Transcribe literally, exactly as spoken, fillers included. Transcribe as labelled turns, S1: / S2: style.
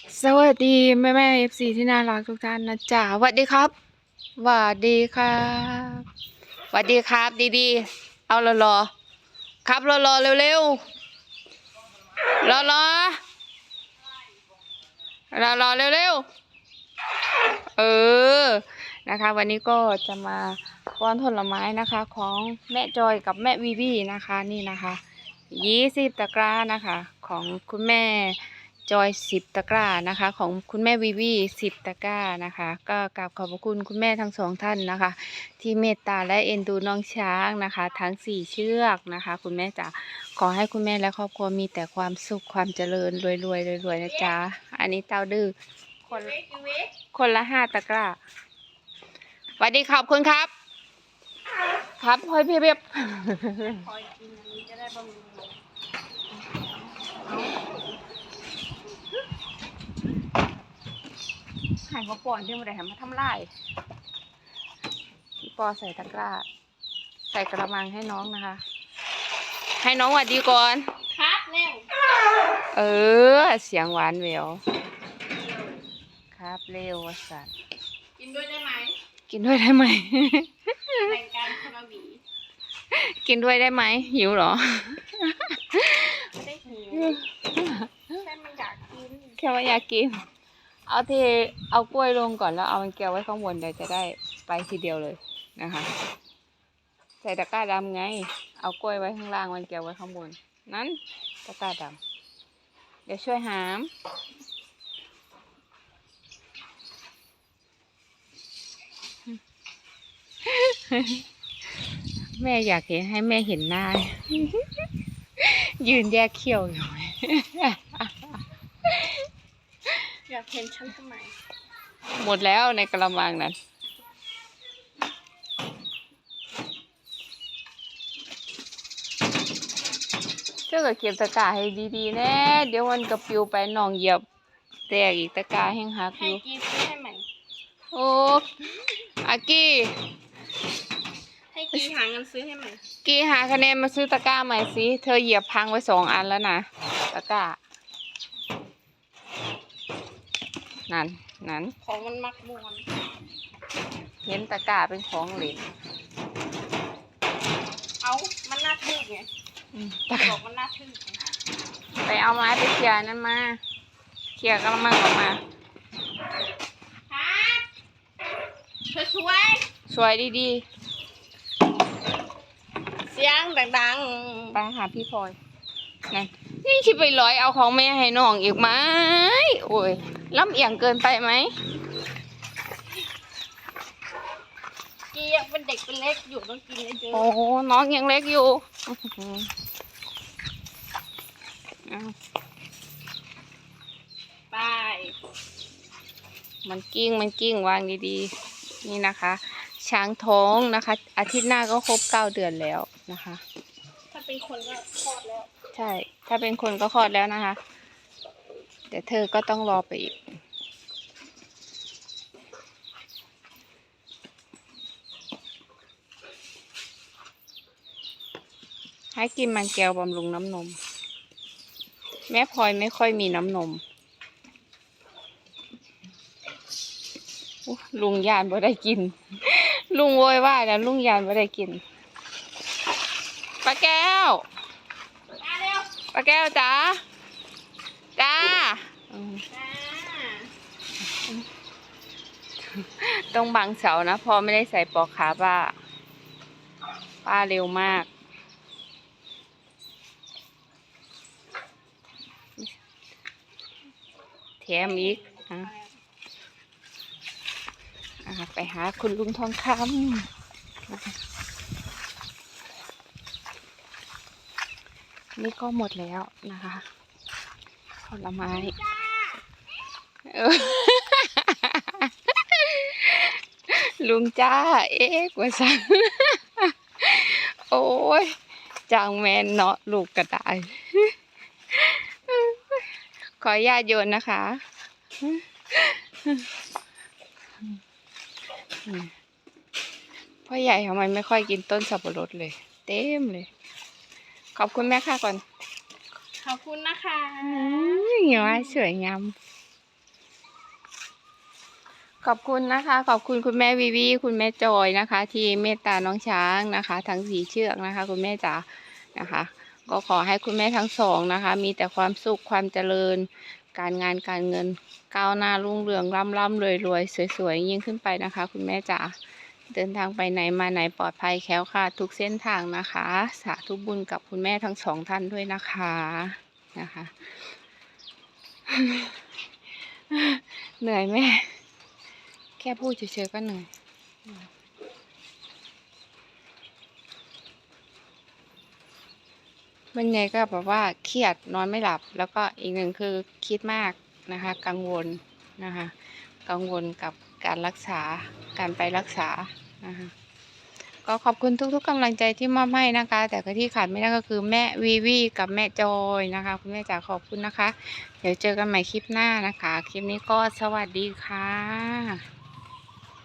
S1: สวัสดีแม่แม่เอฟซีที่น่ารักทุกท่านนะจ๊ะสวัสดีครับสวัสดีครับสวัสดีครับดีๆเอารอรอครับรอรอเร็วๆรอรอรอรอเร็วๆเออนะคะวันนี้ก็จะมาป้อนผลไม้นะคะของแม่จอยกับแม่วีวีนะคะนี่นะคะยี่สิบตะกร้านะคะของคุณแม่จอยสิบตะกร้านะคะของคุณแม่วีวีสิบตะกร้านะคะก็กราบขอบพระคุณคุณแม่ทั้งสองท่านนะคะที่เมตตาและเอ็นดูน้องช้างนะคะทั้งสี่เชือกนะคะคุณแม่จ๋าขอให้คุณแม่และครอบครัวมีแต่ความสุขความเจริญรวยรวยรวยรวยนะจ๊ะอันนี้เต้าดื้อคนคนละห้าตะกร้าสวัสดีขอบคุณครับครับพลอยเพียบเพียบพลอยกินอันนี้จะได้บำรุงหายมาป่อนที่มาได้ทำมาทำลายพี่ปอใส่ตะกร้าใส่กระมังให้น้องนะคะให้น้องหวัดดีก่อนครับเร็วเออเสียงหวานแหววครับเร็ววสันกินด้วยได้ไหมกินด้วยได้ไหมแบ่งกันคนละหวีกินด้วยได้ไหมหิวเหรอไม่ได้หิวแค่มันอยากกินแค่ว่าอยากกินเอาเทเอากล้วยลงก่อนแล้วเอามันแก้วไว้ข้างบนเดี๋ยวจะได้ไปทีเดียวเลยนะคะใส่ตะกร้าดำไงเอากล้วยไว้ข้างล่างมันแก้วไว้ข้างบนนั้นตะกร้าดำเดี๋ยวช่วยหามแม่อยากเห็นให้แม่เห็นหน้ายืนแยกเขี้ยวอยู่อยากเห็นฉันทำไมหมดแล้วในกระมังนั้นเจ้าก็เก็บตะกร้าให้ดีๆแน่เดี๋ยวมันกระปิวไปหนองเหยียบแตกอีกตะกร้าแห้งหักอยู่ให้กีซื้อให้ใหม่โอ้อากี้ให้กีหาเงินซื้อให้ใหม่กีหาคะแนนมาซื้อตะกร้าใหม่สิเธอเหยียบพังไว้สองอันแล้วนะตะกร้านั่นนั่นของมันมักมวนเห็นตะกร้าเป็นของเหลวเอามันน่าทึ่งไงตะกร้าบอกมันน่าทึ่งไปเอาไม้ไปเคลียร์นั่นมาเคลียร์กระมังออกมาครับสวยสวยดีๆเสียงดังๆไปหาพี่พลอยนั่นนี่คิดไปร้อยเอาของแม่ให้น้องอีกไหมโอ้ยล้ำเอียงเกินไปไหมกียังเป็นเด็กเป็นเล็กอยู่ต้องกินเยอะโอ้น้องยังเล็กอยู่ไปมันกิ้งมันกิ้งวางดีๆนี่นะคะช้างท้องนะคะอาทิตย์หน้าก็ครบเก้าเดือนแล้วนะคะถ้าเป็นคนก็คลอดแล้วใช่ถ้าเป็นคนก็คลอดแล้วนะคะแต่เธอก็ต้องรอไปอีกให้กินมันแก้วบำรุงน้ำนมแม่พลอยไม่ค่อยมีน้ำนมลุงยานบ่ได้กินลุงโวยว่าแล้วลุงยานบ่ได้กินป้าแก้วป้าแก้วจ้าจ้าต้องบังเสานะพอไม่ได้ใส่ปลอกขาป้าป้าเร็วมากแถมอีกอ่ะไปหาคุณลุงทองคำนี่ก็หมดแล้วนะคะผลไม้ลุงจ้าเอ๊ะกว่าสังโอ้ยจางแมนเนาะลูกกระต่ายขออนุญาตโยนนะคะพ่อใหญ่ทำไมไม่ค่อยกินต้นสับปะรดเลยเต็มเลยขอบคุณแม่ค่ะก่อนขอบคุณนะคะเหี้ยสวยงามขอบคุณนะคะ ขอบคุณคุณแม่วีวีคุณแม่จอยนะคะ ที่เมตตาน้องช้างนะคะ ทั้งสี่เชือกนะคะ คุณแม่จ๋านะคะ ก็ขอให้คุณแม่ทั้งสองนะคะ มีแต่ความสุขความเจริญ การงานการเงินก้าวหน้ารุ่งเรืองร่ำร่ำรวยรวยสวยๆยิ่งขึ้นไปนะคะ คุณแม่จ๋าเดินทางไปไหนมาไหนปลอดภัยแคล้วคลาดทุกเส้นทางนะคะ สาธุบุญกับคุณแม่ทั้งสองท่านด้วยนะคะนะคะ เหนื่อยแม่แค่พูดเฉยๆก็เหนื่อยมันไงก็แบบว่าเครียดนอนไม่หลับ แล้วก็อีกหนึ่งคือคิดมากนะคะ กังวลนะคะ กังวลกับการรักษาการไปรักษานะคะก็ขอบคุณทุกๆกำลังใจที่มอบให้นะคะ แต่ก็ที่ขาดไม่ได้ก็คือแม่วีวีกับแม่จอยนะคะคุณแม่จ๋าขอบคุณนะคะ เดี๋ยวเจอกันใหม่คลิปหน้านะคะ คลิปนี้ก็สวัสดีค่ะ